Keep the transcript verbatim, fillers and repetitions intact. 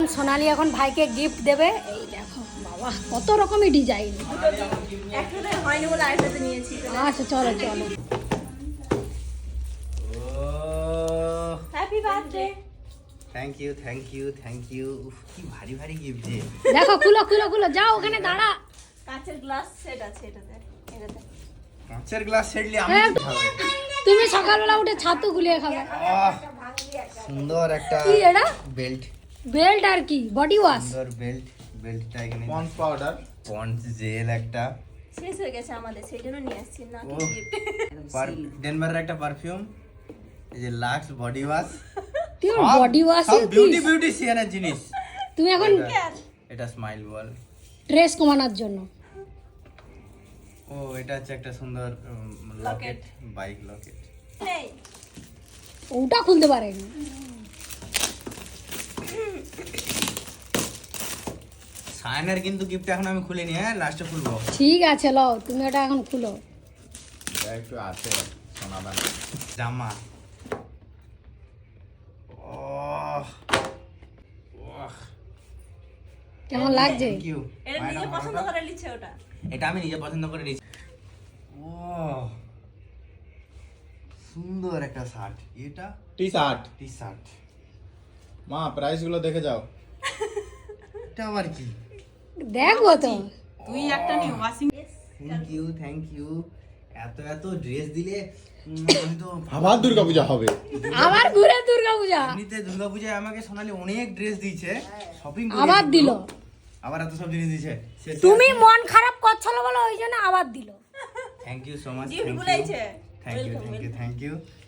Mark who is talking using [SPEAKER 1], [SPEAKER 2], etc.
[SPEAKER 1] সোনালি এখন ভাইকে গিফট দেবে। এই দেখো বাবা কত রকমই ডিজাইন।
[SPEAKER 2] একটাতে হয়নি বলে আরেকটাতে নিয়েছি।
[SPEAKER 1] আচ্ছা চলো চলো।
[SPEAKER 2] Happy birthday.
[SPEAKER 3] Thank you thank you thank you. কি ভারী ভারী গিফট যে।
[SPEAKER 1] দেখো খুলো খুলো খুলো, যাও ওখানে দাঁড়া।
[SPEAKER 2] কাঁচের গ্লাস সেট আছে এটাতে। এটাতে
[SPEAKER 3] কাঁচের গ্লাস সেটলি আমি
[SPEAKER 1] হ্যাঁ,
[SPEAKER 3] কি খাবো?
[SPEAKER 1] তুমি সকালবেলা উঠে ছাতু গুলিয়ে খাবে।
[SPEAKER 3] আহ, সুন্দর একটা
[SPEAKER 1] কি এটা?
[SPEAKER 3] বেল্ট।
[SPEAKER 1] বেল্ট আর কি বডি ওয়াশ।
[SPEAKER 3] সুন্দর বেল্ট। বেল্টটা এখানে
[SPEAKER 4] পন্স পাউডার,
[SPEAKER 3] পন্স জেল একটা।
[SPEAKER 2] শেষ হয়ে গেছে আমাদের, সেই জন্য নিয়ে আসছি না
[SPEAKER 3] ও।
[SPEAKER 2] গিফট।
[SPEAKER 3] ডেনভারের একটা পারফিউম, এই যে লাক্স বডি ওয়াশ।
[SPEAKER 1] তুই বডি ওয়াশ
[SPEAKER 3] বিউটি বিউটিশিয়ানের জিনিস।
[SPEAKER 1] তুমি এখন
[SPEAKER 3] এটা স্মাইল বল
[SPEAKER 1] স্ট্রেস কমানোর জন্য।
[SPEAKER 3] ও এটা হচ্ছে একটা সুন্দর লকেট, বাইক লকেট।
[SPEAKER 2] নেই
[SPEAKER 1] ওটা খুলতে পারেনি।
[SPEAKER 3] সায়নের কিন্তু গিফট এখন আমি খুলিনি, হ্যাঁ লাস্টে খুলবো।
[SPEAKER 1] ঠিক আছে লও, তুমি ওটা এখন খুলো।
[SPEAKER 4] এটা একটু আছে সোনাদান।
[SPEAKER 3] জামা। ওহ ওহ
[SPEAKER 1] কেমন লাগছে?
[SPEAKER 3] Thank you.
[SPEAKER 2] এটা নিজে পছন্দ করে নিচ্ছে ওটা।
[SPEAKER 3] এটা আমি নিজে পছন্দ করে নিয়েছি। ও সুন্দর একটা শার্ট। এটা
[SPEAKER 4] টি শার্ট।
[SPEAKER 3] T shirt.
[SPEAKER 4] মা প্রাইস গুলো দেখে যাও।
[SPEAKER 3] এটা আবার কি?
[SPEAKER 1] দেখবো তো।
[SPEAKER 5] তুই একটা নিয়ে washing.
[SPEAKER 3] Thank you thank you. এত এত ড্রেস দিলে উম, আমি তো
[SPEAKER 4] আবার দুর্গাপূজা হবে।
[SPEAKER 1] আবার ঘুরে দুর্গা পূজা।
[SPEAKER 3] এমনিতে দুর্গাপূজায় আমাকে সোনালি অনেক ড্রেস দিয়েছে, শপিং
[SPEAKER 1] আবার দিল।
[SPEAKER 3] আবার এত সব জিনিস দিয়েছে।
[SPEAKER 1] তুমি মন খারাপ করছিল বলে ওই জন্য আবার দিল।
[SPEAKER 3] Thank you so much.
[SPEAKER 2] Gift গুলাইছে।
[SPEAKER 3] Thank you thank you thank you.